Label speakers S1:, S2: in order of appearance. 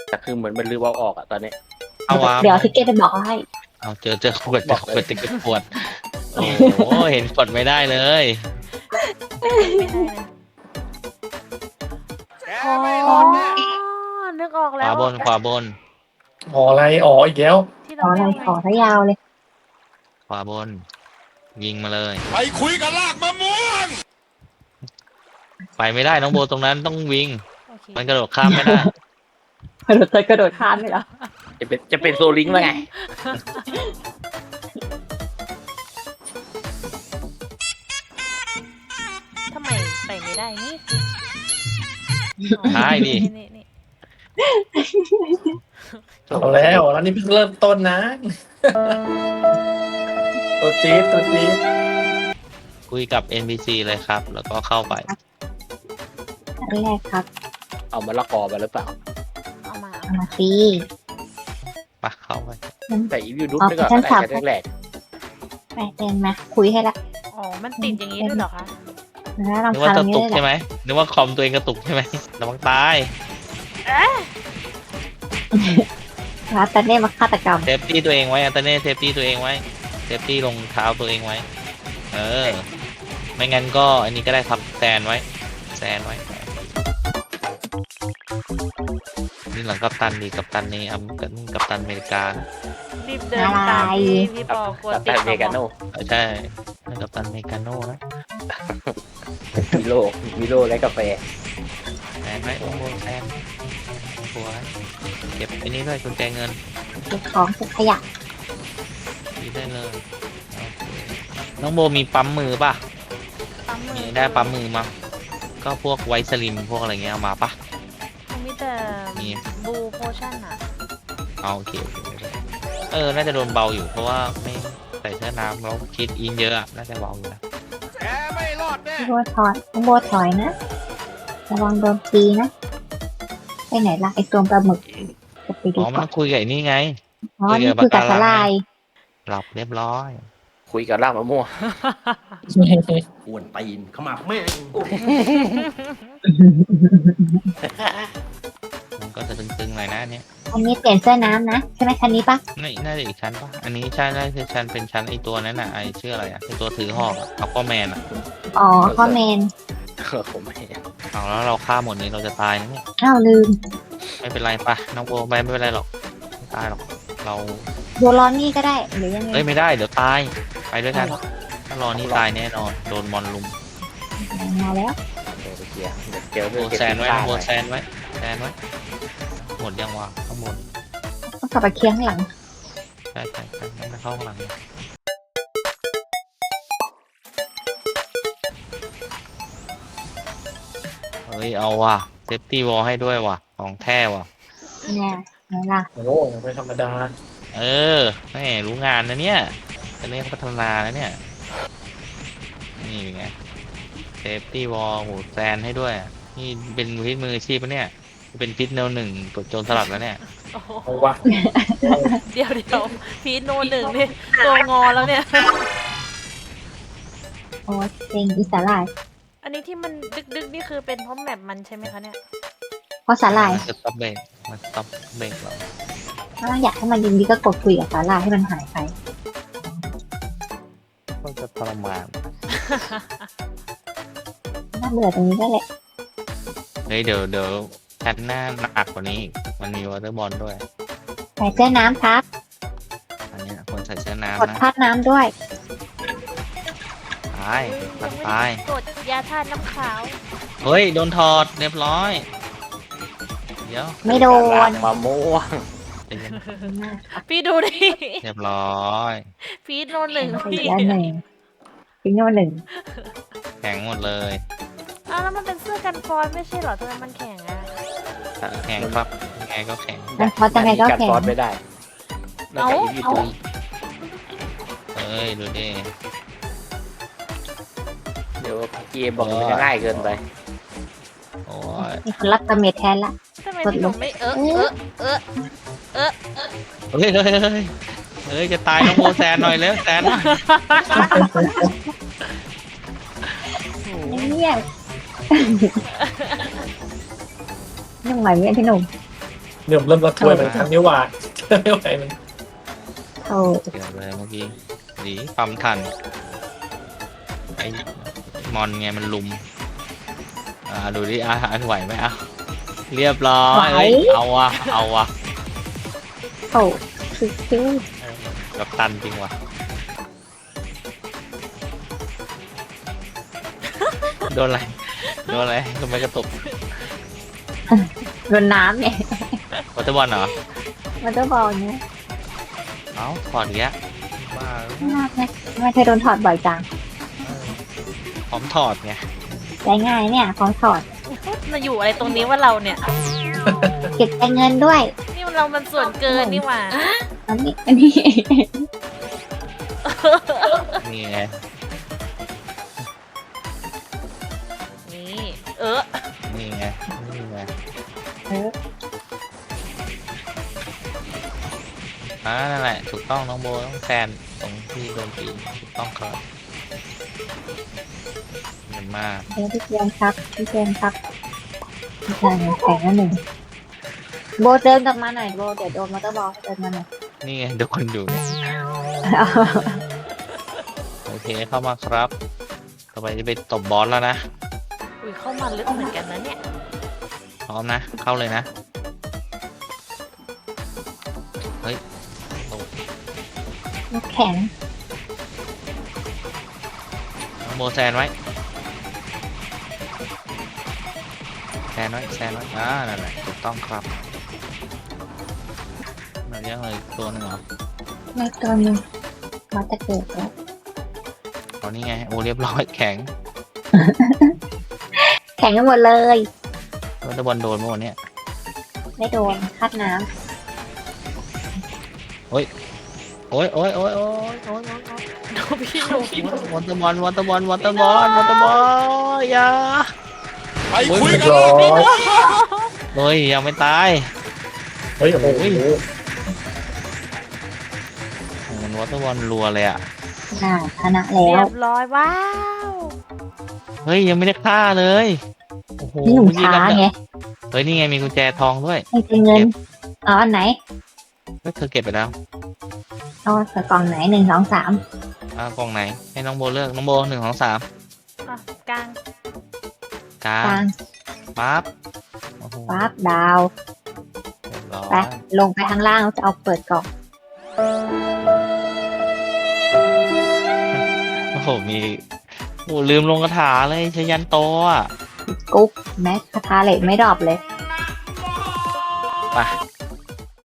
S1: แต่คือเหมือนมันลืมเอาออกอะตอนนี้
S2: เอาวะ
S3: เดี๋ยวทิกเก็ตไปบอกเขาให้
S2: เอาเจอขวดติดขวดโอ้โหเห็นกดไม่ได้เลย
S4: อ๋อนึกออก
S2: ข
S4: แล้ว
S2: วาบน
S5: อ๋ออะไรอ๋ออีกแล้ว
S4: ที่
S3: ขอ
S4: เรา
S3: อะไร
S4: เรียก
S3: ขอซะยาวเลย
S2: ขวาบน ยิงมาเลย
S6: ไปคุยกับลากมะม่วง
S2: ไปไม่ได้น้องโบตรงนั้นต้องวิ่ง
S4: โอเค
S2: มันกระโดดข้ามไม่ได้
S3: กระโดดข้ามเลยเหรอ
S1: จะเป็นโซลิงแล้วไง
S4: ทำไมไปไม่ได้นี่
S2: ได้ดิ
S4: นี่
S5: เอาแล้วนี่เพิ่งเริ่มต้นนะ ตัวจี๊ด
S2: คุยกับ NPC เลยครับ แล้วก็เข้าไป
S3: อันแรกครับ
S1: เอามะละกอมาหรือเปล่า
S4: เอามา
S3: เอามาซี
S2: ปะเข้าไป
S1: แต่อีวิวดุ๊ก
S3: อ๋อ
S1: นี่ก็
S3: ชั้น
S1: ได้
S3: สาม
S1: แค่แรก
S3: ไปเดินมาคุยให้ละ
S4: อ๋อมันติดอย่างนี้ด้วยเหรอคะ
S3: แล้วลอง
S2: นึกว่า
S3: ทำ
S2: จะ
S3: นี้
S2: ตุก
S3: ได้
S2: ใช่
S3: แหละ
S2: ไหมนึกว่าคอมตัวเองกระตุกใช่ไหมระวังตาย
S3: แล้วแต่เนี่ยมาฆาตกรรม
S2: เซฟตี้ตัวเองไว้อันตเน่เซฟตี้ตัวเองไว้เซฟตี้รองเท้าตัวเองไว้ ไม่งั้นก็อันนี้ก็ได้ครับแซนไว้ นี่หลังกัปตันดีกัปตันนี่กัปตันอเมริกา
S4: รีบเดินตามพี่ปอกลัว
S1: ตัด
S4: ติด
S1: แต่เมกาโน่
S2: ใช่นั่นกัปตันอเมริกาโน่นะ
S1: มิโลและกาแฟ
S2: แซนไว้โอ้โหแซนหัวเก็บไอ้นี้ด้วยกุญแจเงิน
S3: เก็บของเก็บขยะ
S2: ดีได้เลยโอเคน้องโบมีปั๊มมือป่ะ
S4: ปั๊มมื
S2: มี
S4: อ
S2: ได้ปั๊มมือมาก็พวกไวท์สลิมพวกอะไรเงี้ยเอามาป่ะ
S4: มันมีแต่
S2: มี
S4: บูโพชั่นอะ
S2: เอาโอเคน่าจะโดนเบาอยู่เพราะว่าไม่ใส่เสื้อน้ำแล้วคิดอินเยอะน่าจะเบาอยู่นะ
S6: แกไม่รอดแน่
S3: พี่โบถอยน้องโบถอยนะระวังโดนตีนะไปไหนล่ะไอตัวปลาหมึกจะไปดู
S2: อ๋อมัน
S3: ก่อ
S2: ต้อน งคุยกับไอ้นี่ไง
S3: อ๋อนี่คือกับสลาย
S2: หลับเรียบร้อย
S1: คุยกับรากมะม่วง
S6: อ้วนตีนขมับแม่ง
S2: มันก็จะตึงๆหน่อยนะเนี่ย
S3: อันนี้เปลี่ยนเสื้อน้ำนะใช่ไหมคันนี้ปะ
S2: นี่น่าจะอีกชั้นป่ะอันนี้ใช่น่าจะชั้นเป็นชั้นไอตัวนั้นน่ะไอชื่ออะไรอ่ะไอตัวถือหอกอัลฟาแมนอ่ะ
S3: อ๋อข้อเมน
S1: ผมไม่เห็น
S2: เอาแล้วเราฆ่าหมดนี้เราจะตายนะเนี่ย
S3: อ้าวลืม
S2: ไม่เป็นไรป่ะน้องโบไม่เป็นไรหรอกไม่ตายหรอกเรา
S3: โยรอนนี่ก็ได้หรือยังไง
S2: ไม่ได้เดี๋ยวตายไปด้วยกันถ้ารอนี่ตายแน่นอนโดนมอนลุม
S3: มาแล้ว
S1: เดี๋ยวไปเคลียร์เดี๋ยวเจอ
S2: โบ
S1: เรื่องเก็บ
S2: แซนไว้
S1: ผ้า
S2: โบ
S1: ไว้
S2: แซนไว้หมดยังวะข้างบน
S3: ต้องกลับไปเคียงหลัง
S2: ใช่งั้นไปเข้าข้างหลังเลยเฮ้ยเอาว่ะเซฟตี้วอลให้ด้วยว่ะของแท้ว่ะ
S3: เนี่ยไหนล่ะ
S5: โอ้ไม่ธรรมดา
S2: แม่รู้งานนะเนี่ยจะเรียกพัฒนาแล้วเนี่ยนี่เป็นไงเซฟตี้วอลโหแซนให้ด้วยนี่เป็นพิษมืออาชีพปะเนี่ยเป็นพิษแนวหนึ่งกดโจรสลัดแล้วเนี่ย
S4: โอ้โห
S5: เอาวะ
S4: เดี๋ยวพีทโนหนึ่งนี่ตัวงอแล้วเนี่ย
S3: โอ้เซ็งอีสาลาย
S4: อันนี้ที่มันดึกนี่คือเป็นเพราะแมปมันใช่ไหมคะเนี่ย
S3: เพราะสาลาย
S2: มันสต็อปเบรกมันสต็อปเบรกเรา
S3: ถ้าอยากให้มันยิงดีก็กดคุยกับสาลายให้มันหายไป
S2: ก็จะทรมาน
S3: น่าเบื่อตรงนี้ได้แหละ
S2: เฮ้ยเดี๋ยวชั้นหน้าหนักกว่านี้อีกมันมีวอเตอร์บอลด้วย
S3: ใส่เสื้อน้ำครับ
S2: อันเนี้ยคนใส่เสื้อก
S3: ด
S2: น้ำนะ
S3: พาดน้ำด้วย
S2: ตายตัดตาย
S4: กดยาธาตุน้ำขาว
S2: เฮ้ยโดนถอดเรียบร้อยเดี๋ยว
S3: ไม่โด
S1: ราน กมะม่วง
S2: ใจเย็น
S4: พี่ดูดิ
S2: เรียบร้อย
S4: พีทโนหนึ่ง
S3: อี
S4: พี่
S3: กแล้วหนึ่งฟิโนหนึ่ง
S2: แข็งหมดเลย
S4: อ้าวแล้วมันเป็นเสื้อกันฟอนไม่ใช่เหรอทำไมมันแข็งอะ
S2: แข็งครับยังไงก็แข็ง
S3: มันพอจะไงก็
S1: กัด
S3: แข็ง
S1: ฟอสไม่ได้นอกจากอีวิวดุ๊ก
S2: เอ้ยดูดิ
S1: เดี๋ยวเกมบอกมันจะง่ายเกินไป
S2: โอ้ย
S3: มีคนรับกระเมดแทนละ
S4: ทำไมพี่หนุ่มไม่เออ
S2: เฮ้ยเฮ้ยจะตายน้องโมแซนหน่อยแล้วแซนหน่อย
S3: เนี่ย นุ่งใหม่ไหมพี่หนุ่ม
S5: เริ่มระทวยเหมือนกันนี่หว่าไม่ไหวมัน
S3: โอ้
S2: เกี่ยวเลยเมื่อกี้ดีปั๊มทันไอ้มอนไงมันลุมดูดิอันไหวไหมเรียบร้อยเอ้ยเอาวะ
S3: โหคือ
S2: กับตันจริงว่ะโดนอะไรทำไมกระตุก
S3: โดนน้ำเนี่ยว
S2: อเตอร์บอลเหรอ
S3: มันจะบอลเนี่ย
S2: เอ้าถอดอีกแล้วบ้า
S3: ไม่เคยโดนถอดบ่อยจัง
S2: พร้อมถอดไง
S3: ได้ง่ายเนี่ยของถอด
S4: มาอยู่อะไรตรงนี้ว่าเราเนี่ย
S3: เก็บแต่เงินด้วย
S4: นี่เรามันส่วนเกินนี่หว่า
S3: อันนี้
S2: นี่ไง
S4: นี่
S2: นี่ไง
S3: เออ
S2: นั่นแหละถูกต้องน้องโบต้องแซนตรงที่โดนตีถูกต้องครับเยี่ยมมาก
S3: เดี๋ยวพี่เจมส์ครับพี่เจมส์ครับพี่ชายแข่งแล้วหนึ่งโบเดินกลับมาหน่อยโบเดี๋ยวโดนมอเตอร์บอลเดินมาหน่อย
S2: นี่ไงโดนอยู่เนี่ยโอเคเข้ามาครับต่อไปจะไปตบบอสแล้วนะ
S4: อุ้ยเข้ามาลึกเหมือนกันนะเนี่ย
S2: พร้อมนะเข้าเลยนะเฮ้ย
S3: ลูกแข็ง
S2: น้องโบแซนไว้แซนไว้นั่นแหละถูกต้องครับมาเลี้ยงเลยตัวหนึงเหรอ
S3: ไม่ตัวนึงมาจะเกิดแล้ว
S2: เอานี่ไงโอ้เรียบร้อยแข็ง
S3: แข่งกันหมดเลย
S2: วอเตอร์บอลโดนเมื่อวันเนี้ย
S3: ไม่โดนคัดน้
S2: โอ้ยโอ้ย
S4: ดูพี่หนุ่ม
S2: วอเตอร์บอลอย่า
S5: เรียบร้อย
S2: เฮ้ยยังไม่ตาย
S5: เฮ้ยโอ้โห
S2: มันวอเตอร์บอลรัวเลยอ่ะ
S3: ำชนะแล้
S4: เรี
S3: วย
S4: บร้อยว้าว
S2: เฮ้ยยังไม่ได้ฆ่าเลยโอ้โห
S3: นี่หนุ่ม
S2: เมื่อกี้
S3: ช้า
S2: กัน
S3: ไง
S2: เฮ้ยนี่ไงมีกุญแจทองด้วย
S3: ให้เป็นเงินเอาอันไหน
S2: ก็เธอเก็บไปแล้ว
S3: เอาใส่กล่องไหน1 2 3
S2: กล่องไหนให้น้องโบเลือกน้องโบ1 2 3
S4: อ่ะกลาง
S2: กลาก
S3: ลาง
S2: ปั๊บโอ้โห
S3: ปั๊บดาว
S2: เรียบร้อย
S3: ไปลงไปข้างล่างจะเอาเปิดกล่อง
S2: โอ้โหมีโอ้ลืมลงคาถาเลยชยันโตอ่ะ
S3: กุ๊กแม็กคาถาเหล็กไม่ดรอปเลย
S2: ไป